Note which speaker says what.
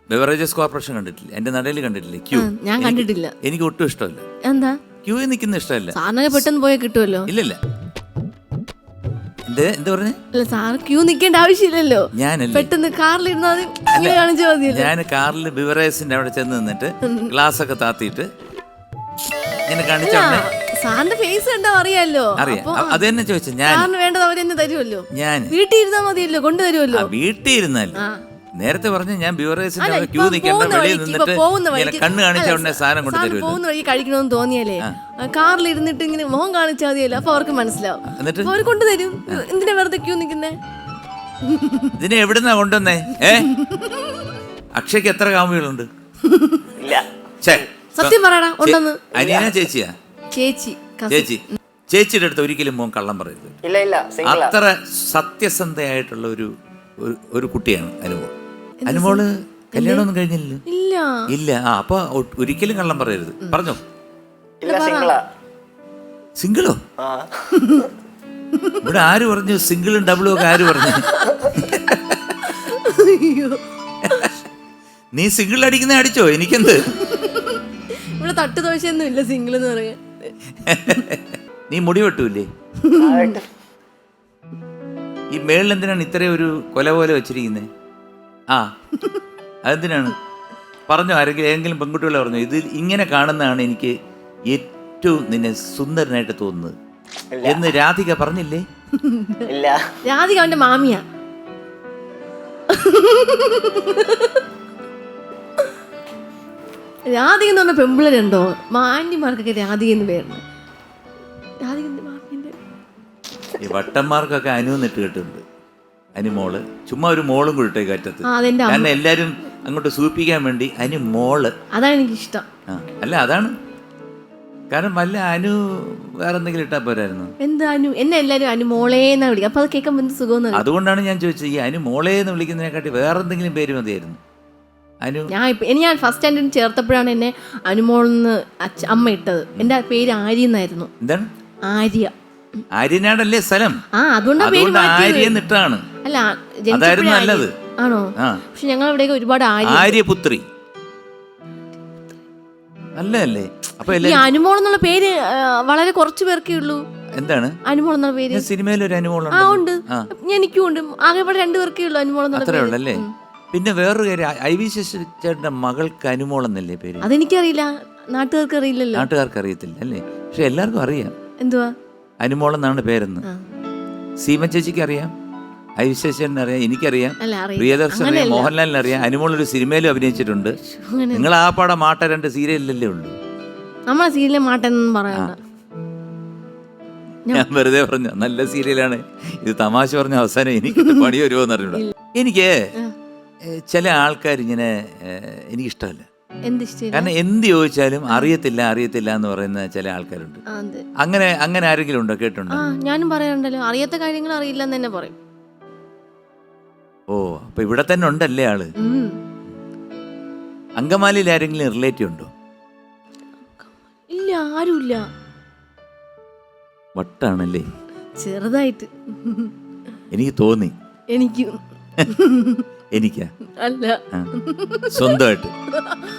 Speaker 1: Beverages corporation കണ്ടിട്ടില്ല, എന്റെ നടയിൽ കണ്ടിട്ടില്ലേ ക്യൂ?
Speaker 2: ഞാൻ കണ്ടിട്ടില്ല.
Speaker 1: എനിക്ക് ഒട്ടും ഇഷ്ടമല്ല.
Speaker 2: എന്താ
Speaker 1: ക്യൂവിൽ നിൽക്കുന്ന ഇഷ്ടമല്ല.
Speaker 2: സാറിനൊക്കെ പെട്ടെന്ന് പോയാൽ കിട്ടുമല്ലോ.
Speaker 1: ഇല്ലല്ല. എന്താ പറഞ്ഞേ?
Speaker 2: അല്ല സാറ് ക്യൂ നിൽക്കേണ്ട ആവശ്യമില്ലല്ലോ.
Speaker 1: ഞാനല്ലേ
Speaker 2: പെട്ടെന്ന് കാറിലിരുന്നാ മതി, ഇങ്ങനെ കാണിച്ചാൽ മതിയല്ലോ.
Speaker 1: ഞാൻ കാറിൽ ബിവറേജിന്റെ അവിടെ ചെന്ന് നിന്നിട്ട് ഗ്ലാസ് ഒക്കെ താത്തിയിട്ട് ഇങ്ങനെ കാണിച്ചോണ്ടേ
Speaker 2: സാറിന്റെ ഫേസ് കണ്ടാ അറിയാലോ.
Speaker 1: അറിയാം. അത് തന്നെ ചോദിച്ചു. ഞാൻ
Speaker 2: സാറിന് വേണ്ടത് അവരെന്നെ തരുമല്ലോ.
Speaker 1: ഞാൻ
Speaker 2: വീട്ടിൽ ഇരുന്നാ മതിയല്ലോ, കൊണ്ടുതരുമല്ലോ.
Speaker 1: വീട്ടിൽ ഇരുന്നാൽ നേരത്തെ പറഞ്ഞു ഞാൻ ബിവറേജിന്റെ അവിടെ ക്യൂ നിൽക്കേണ്ട,
Speaker 2: പോകുന്ന
Speaker 1: വെളിയിൽ
Speaker 2: വഴിക്ക്
Speaker 1: നിന്നിട്ട് കണ്ണ് കാണിച്ച ഉടനെ സാധനം കൊണ്ട് തരുമല്ലോ.
Speaker 2: പോകുന്ന വഴി കഴിക്കണമെന്ന് തോന്നിയാലേ കാറിൽ ഇരുന്നിട്ട് ഇങ്ങനെ മുഖം കാണിച്ചാൽ മതിയല്ലോ, അപ്പൊ അവർക്ക് മനസ്സിലാവും.
Speaker 1: എന്നിട്ട്
Speaker 2: അവർ കൊണ്ടുതരും. എന്തിനാ വെറുതെ ക്യൂ നിൽക്കുന്നേ?
Speaker 1: ഇതിനെ എവിടുന്നാ കൊണ്ടുവന്നേ? അക്ഷയ്ക്ക് എത്ര കാമുകളുണ്ട്?
Speaker 2: സത്യം പറയടാ, ഉണ്ടെന്ന്.
Speaker 1: അനിയന ചേച്ചിയാ?
Speaker 2: ചേച്ചി.
Speaker 1: ചേച്ചിയുടെ അടുത്ത് ഒരിക്കലും മോൻ കള്ളം പറയരുത്. അത്ര സത്യസന്ധയായിട്ടുള്ള ഒരു കുട്ടിയാണ് അനുമോൾ. അനുമോള് കല്യാണമൊന്നും കഴിഞ്ഞില്ലല്ലോ? ഇല്ല. അപ്പൊ ഒരിക്കലും കള്ളം പറയരുത്. പറഞ്ഞോ. സിംഗിളോ? ഇവിടെ ആര് പറഞ്ഞു സിംഗിളും ഡബിളും ഒക്കെ? ആര് പറഞ്ഞു? നീ സിംഗിൾ അടിക്കുന്ന അടിച്ചോ, എനിക്കെന്ത്?
Speaker 2: ഇവിടെ തട്ട് ദോശയൊന്നും ഇല്ല സിംഗിൾ എന്ന് പറയാൻ.
Speaker 1: നീ മുടി വെട്ടൂല്ലേ? ഈ മേളിൽ എന്തിനാണ് ഇത്രയും ഒരു കൊല പോലെ വെച്ചിരിക്കുന്നത്? അതെന്തിനാണ്? പറഞ്ഞോ, ഏതെങ്കിലും പെൺകുട്ടികളെ പറഞ്ഞോ ഇത് ഇങ്ങനെ കാണുന്നതാണ് എനിക്ക് ഏറ്റവും നിന്നെ സുന്ദരനായിട്ട് തോന്നുന്നത് എന്ന് രാധിക പറഞ്ഞില്ലേ?
Speaker 2: രാധിക അവന്റെ മാമിയാ. രാധിക എന്ന് പറഞ്ഞ പെമ്പിളരുണ്ടോ? മാന്യന്മാർക്കൊക്കെ രാധിക എന്ന് പേരുണ്ട്.
Speaker 1: ഈ വട്ടന്മാർക്കൊക്കെ അനുന്നിട്ട് കിട്ടുന്നുണ്ട്. അനുമോള് ചുമ്മാ ഒരു മോളും കൂടെ കറ്റത്ത്. കാരണം എല്ലാരും അങ്ങോട്ട് സൂപ്പിക്കാൻ വേണ്ടി അനുമോള്.
Speaker 2: അതാണ് എനിക്കിഷ്ടം.
Speaker 1: അല്ല അതാണ് കാരണം. വല്ല അനു വേറെ എന്തെങ്കിലും ഇട്ടാ പോരായിരുന്നു?
Speaker 2: എന്താ അനു? എന്നെ എല്ലാരും അനുമോളേന്നാ വിളിക്കും. അപ്പൊ അത് കേൾക്കാൻ എന്ത് സുഖം.
Speaker 1: അതുകൊണ്ടാണ് ഞാൻ ചോദിച്ചത്, ഈ അനുമോളേന്ന് വിളിക്കുന്നതിനെക്കാട്ടി വേറെ എന്തെങ്കിലും പേര് മതിയായിരുന്നു. അനു
Speaker 2: ഞാൻ ഫസ്റ്റ് സ്റ്റാൻഡേർഡിൽ ചേർത്തപ്പോഴാണ് എന്നെ അനുമോളെന്ന് അമ്മ ഇട്ടത്. എന്റെ പേര് ആര്യ എന്നായിരുന്നു.
Speaker 1: എന്താണ്?
Speaker 2: ആര്യ.
Speaker 1: ആര്യനാടല്ലേ സ്ഥലം?
Speaker 2: അതുകൊണ്ട്
Speaker 1: ആര്യന്നിട്ടാണ്.
Speaker 2: അല്ല,
Speaker 1: അതായിരുന്നു നല്ലത്.
Speaker 2: ആണോ? പക്ഷെ ഞങ്ങൾ ഇവിടെയൊക്കെ ഒരുപാട്
Speaker 1: ആര്യപുത്രി നല്ലതല്ലേ? അപ്പൊ
Speaker 2: ഈ അനുമോൾ എന്നുള്ള പേര് വളരെ കുറച്ചു പേർക്കേ ഉള്ളൂ.
Speaker 1: എന്താണ്
Speaker 2: അനുമോൾ എന്നുള്ള പേര്?
Speaker 1: സിനിമയിൽ ഒരു അനുമോൾ
Speaker 2: ഉണ്ട്, എനിക്കും ഉണ്ട്. ആകെ ഇവിടെ 2 പേർക്കേ ഉള്ളൂ അനുമോൾ എന്നുള്ള
Speaker 1: പേര്. ഉള്ളല്ലേ? പിന്നെ വേറൊരു കാര്യം, ഐ വി ചേട്ടന്റെ മകൾക്ക് അനുമോൾ എന്നല്ലേ പേര്?
Speaker 2: അതെനിക്കറിയില്ല, നാട്ടുകാർക്ക് അറിയില്ലല്ലോ.
Speaker 1: നാട്ടുകാർക്ക് അറിയത്തില്ല അല്ലേ? പക്ഷെ എല്ലാവർക്കും അറിയാം.
Speaker 2: എന്തുവാ
Speaker 1: അനുമോൾ എന്നാണ് പേരെന്ന്. സീമ ചേച്ചിക്ക് അറിയാം, ഐ വി ചേട്ടൻ അറിയാം, എനിക്കറിയാം, പ്രിയദർശൻ അറിയാം, മോഹൻലാലിന് അറിയാം. അനുമോൾ ഒരു സിനിമയിലും അഭിനയിച്ചിട്ടുണ്ട്. നിങ്ങൾ ആ പാടെ മാട്ട 2 സീരിയലല്ലേ ഉള്ളൂ.
Speaker 2: നമ്മളെ സീരിയലിലെ മാട്ടെന്നും പറയണ്ട.
Speaker 1: ഞാൻ വെറുതെ പറഞ്ഞു, നല്ല സീരിയലാണ് ഇത്. തമാശ പറഞ്ഞ അവസാനം എനിക്ക് പണി വരുമോന്ന് അറിഞ്ഞൂടാ. എനിക്ക് ചില ആൾക്കാർ ഇങ്ങനെ എനിക്കിഷ്ടമല്ല. കാരണം എന്ത് ചോദിച്ചാലും അറിയത്തില്ല എന്ന് പറയുന്ന ചില ആൾക്കാരുണ്ട്. അങ്ങനെ ആരെങ്കിലും ഉണ്ടോ? കേട്ടുണ്ടോ?
Speaker 2: ഞാനും പറയാറുണ്ടല്ലോ, അറിയാത്ത കാര്യങ്ങൾ അറിയില്ല എന്ന് തന്നെ പറയും.
Speaker 1: ഓ, അപ്പൊ ഇവിടെ തന്നെ ഉണ്ടല്ലേ ആള്. അങ്കമാലിയിൽ ആരെങ്കിലും റിലേറ്റീവ് ഉണ്ടോ?
Speaker 2: ഇല്ല, ആരുമില്ല.
Speaker 1: വട്ടാണല്ലേ?
Speaker 2: ചെറുതായിട്ട്
Speaker 1: എനിക്ക് തോന്നി.
Speaker 2: എനിക്കാ
Speaker 1: സ്വന്തമായിട്ട്